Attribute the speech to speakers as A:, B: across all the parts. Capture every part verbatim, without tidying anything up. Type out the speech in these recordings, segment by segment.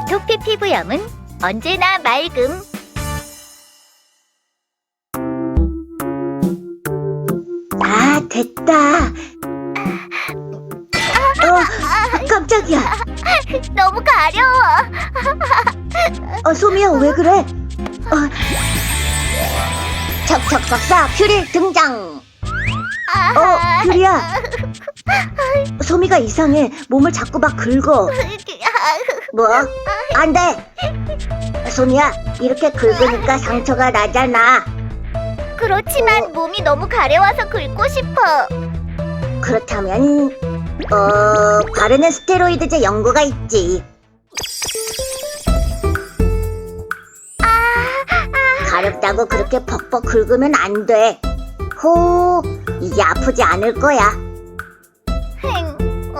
A: 아토피 피부염은 언제나 맑음.
B: 아, 됐다. 어, 깜짝이야.
A: 너무 가려워.
B: 어, 소미야, 왜 그래? 어, 척척 박사 퓨리 등장. 어, 퓨리야. 소미가 이상해. 몸을 자꾸 막 긁어. 뭐? 안 돼. 소미야, 이렇게 긁으니까 상처가 나잖아.
A: 그렇지만 몸이 너무 가려워서 긁고 싶어.
B: 그렇다면 어... 바르는 스테로이드제 연고가 있지. 가렵다고 그렇게 벅벅 긁으면 안 돼. 호, 이제 아프지 않을 거야.
A: 행,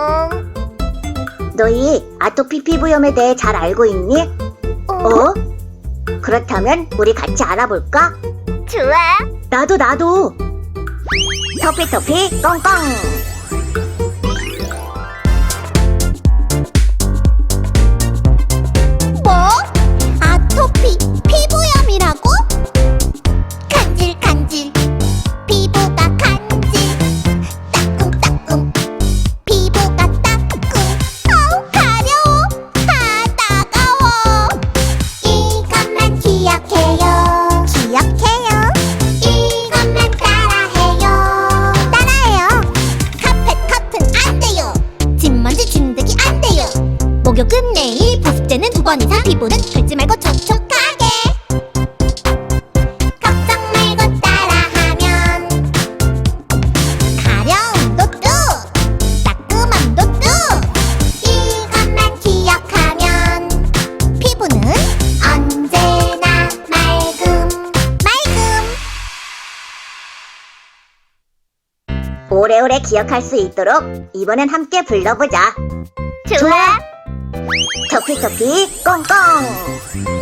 A: 응.
B: 너희 아토피 피부염에 대해 잘 알고 있니? 어? 그렇다면 우리 같이 알아볼까?
A: 좋아.
B: 나도 나도. 토피토피 꽁꽁.
C: 뭐? 아토피 피부염이라고? 간질간질 피부가 간질 따끔따끔 피부가 따끔 어우 가려워 아 따가워 이것만 기억해요 기억해요 이것만 따라해요 따라해요 카펫 커튼 안 돼요 진먼지 진드기 안 돼요 목욕은 매일 보습제는 두 번 이상 피부는 긁지 말고 촉촉하게 걱정 말고 따라하면 가려움도 뚝 따끔함도 뚝 이것만 기억하면 피부는 언제나 맑음 맑음
B: 오래오래 기억할 수 있도록 이번엔 함께 불러보자.
A: 좋아.
B: 토피토피 꽁꽁.